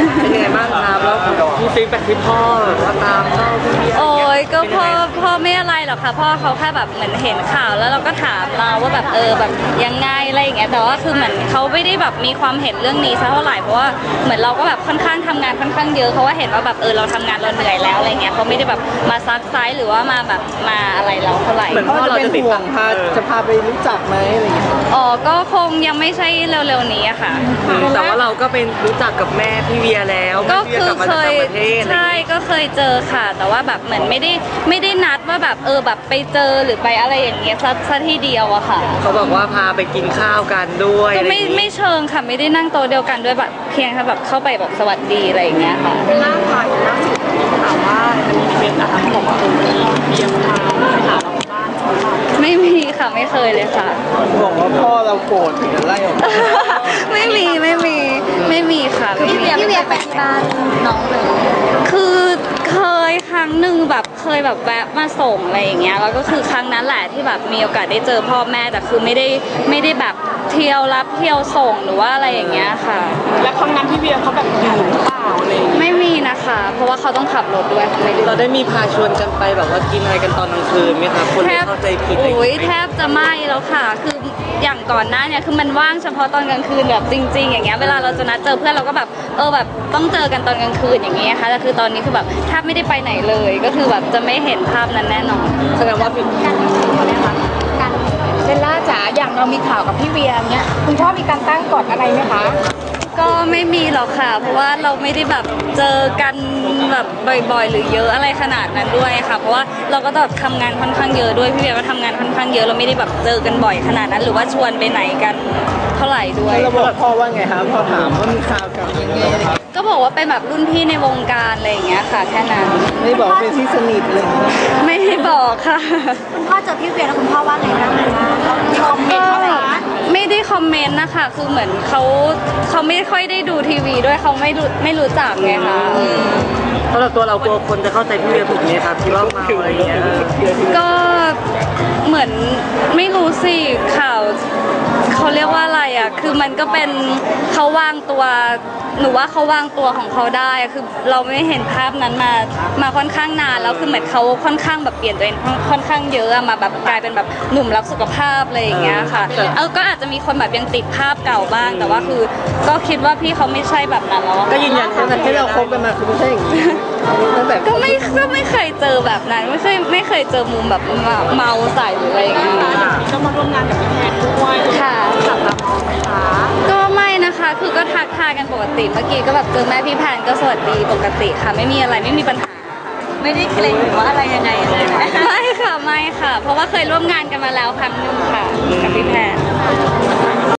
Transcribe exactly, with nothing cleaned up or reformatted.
เป็นยังไงบ้างครับแล้วมีฟีดแบ็กที่พ่อว่าตามเล่าพี่เบียร์โอ้ยก็พ่อพ่อไม่อะไรหรอกค่ะพ่อเขาแค่แบบเหมือนเห็นข่าวแล้วเราก็ถามเราว่าแบบเออแบบยังไงอะไรอย่างเงี้ยแต่ว่าคือเหมือนเขาไม่ได้แบบมีความเห็นเรื่องนี้สักเท่าไหร่เพราะว่าเหมือนเราก็แบบค่อนข้างทำงานค่อนข้างเยอะเขาว่าเห็นว่าแบบเออเราทำงานเราเหนื่อยแล้วอะไรเงี้ยเขาไม่ได้แบบมาซักไซส์หรือว่ามาแบบมาอะไรเราเท่าไหร่เหมือนพ่อเราจะติดต่อพาจะพาไปรู้จักไหมอะไรอย่างเงี้ยอ๋อก็คงยังไม่ใช่เร็วๆนี้อะค่ะแต่ว่าเราก็เป็นรู้จักกับแม่พี่เวียแล้วก็คือเคยใช่ก็เคยเจอค่ะ แต่ว่าแบบเหมือนไม่ได้ไม่ได้นัดว่าแบบเออแบบไปเจอหรือไปอะไรอย่างเงี้ยซะซะทีเดียวอะค่ะเขาบอกว่าพาไปกินข้าวกันด้วยก็ไม่ไม่เชิงค่ะไม่ได้นั่งโต๊ะเดียวกันด้วยแบบเพียงแค่แบบเข้าไปแบบสวัสดีอะไรอย่างเงี้ยค่ะล่าค่ะล่าสุดถามว่าจะมีอีเวนต์นะคะเขาบอกว่าเออมีเบียร์พาไปหาเราบ้านเขาค่ะไม่มีค่ะไม่เคยเลยค่ะบอกว่าพ่อเราโกรธถึงกันไล่ออกมาไม่มีไม่มีไม่มีค่ะพี่เบียร์พี่เบียร์ไปที่บ้านน้องเลยคือเคยครั้งหนึ่งแบบเคยแบบแวะมาส่งอะไรอย่างเงี้ยแล้วก็คือครั้งนั้นแหละที่แบบมีโอกาสได้เจอพ่อแม่แต่คือไม่ได้ไม่ได้แบบเที่ยวรับเที่ยวส่งหรือว่าอะไรอย่างเงี้ยค่ะแล้วครั้งนั้นพี่เบียร์เขาแบบอยู่หรือเปล่าอะไรไม่มีนะคะเพราะว่าเขาต้องขับรถด้วยไม่ได้เราได้มีพาชวนกันไปแบบว่ากินอะไรกันตอนกลางคืนไหมครับคนเข้าใจผิดโอ้ยแทบจะไม่แล้วค่ะคืออย่างก่อนหน้าเนี่ยคือมันว่างเฉพาะตอนกลางคืนแบบจริงๆอย่างเงี้ยเวลาเราจะนัดเจอเพื่อนเราก็แบบเออแบบต้องเจอกันตอนกลางคืนอย่างเงี้ยค่ะแต่คือตอนนี้คือแบบแทบไม่ได้ไปไหนเลยก็คือแบบจะไม่เห็นภาพนั้นแน่นอนแสดงว่าพี่การการเบลล่าจ๋าอย่างเรามีข่าวกับพี่เวียเงี้ยคุณพ่อมีการตั้งกฎอะไรไหมคะก็ไม่มีหรอกค่ะเพราะว่าเราไม่ได้แบบเจอกันแบบบ่อยๆหรือเยอะอะไรขนาดนั้นด้วยค่ะเพราะว่าเราก็แบบทำงานค่อนข้างเยอะด้วยพี่เบียร์ก็ทำงานค่อนข้างเยอะเราไม่ได้แบบเจอกันบ่อยขนาดนั้นหรือว่าชวนไปไหนกันเท่าไหร่ด้วยเราบอกพ่อว่าไงครับพ่อถามว่ามีข่าวกับยังไงก็บอกว่าเป็นแบบรุ่นพี่ในวงการอะไรอย่างเงี้ยค่ะแค่นั้นไม่บอกเป็นที่สนิทเลยไม่ได้บอกค่ะคุณพ่อเจอพี่เวียแล้วคุณพ่อว่าไงบ้างคอมเมนต์เขาไหมไม่ได้คอมเมนต์นะคะคือเหมือนเขาเขาไม่ค่อยได้ดูทีวีด้วยเขาไม่รู้ไม่รู้จักไงคะเพราะเราตัวเรากลัวคนจะเข้าใจพี่เวียถูกไหมครับที่ว่าเมาอะไรอย่างเงี้ยก็เหมือนไม่รู้สิข่าวเขาเรียกว่าอะไรอ่ะคือมันก็เป็นเขาวางตัวหนูว่าเขาวางตัวของเขาได้คือเราไม่เห็นภาพนั้นมามาค่อนข้างนานแล้วคือเหมือนเขาค่อนข้างแบบเปลี่ยนตัวเองค่อนข้างเยอะมาแบบกลายเป็นแบบหนุ่มรักสุขภาพอะไรอย่างเงี้ยค่ะเออก็อาจจะมีคนแบบยังติดภาพเก่าบ้างแต่ว่าคือก็คิดว่าพี่เขาไม่ใช่แบบนั้นแล้วก็ยืนยันที่เราคบกันมาคือไม่ใช่อย่างนี้ก็ไม่ก็ไม่เคยเจอแบบนั้นไม่เคยไม่เคยเจอมุมแบบเมาใส่หรืออะไรอย่างเงี้ยก็มาร่วมงานกับพี่แทนด้วยค่ะจับตามองไหมคะก็ไม่นะคะคือก็ทักทายกันปกติเมื่อกี้ก็แบบเจอแม่พี่แพนก็สวัสดีปกติค่ะไม่มีอะไรไม่มีปัญหาไม่ได้เกรงหรือว่าอะไรยังไงเลยไม่ค่ะไม่ค่ะเพราะว่าเคยร่วมงานกันมาแล้วครั้งหนึ่งค่ะกับพี่แพน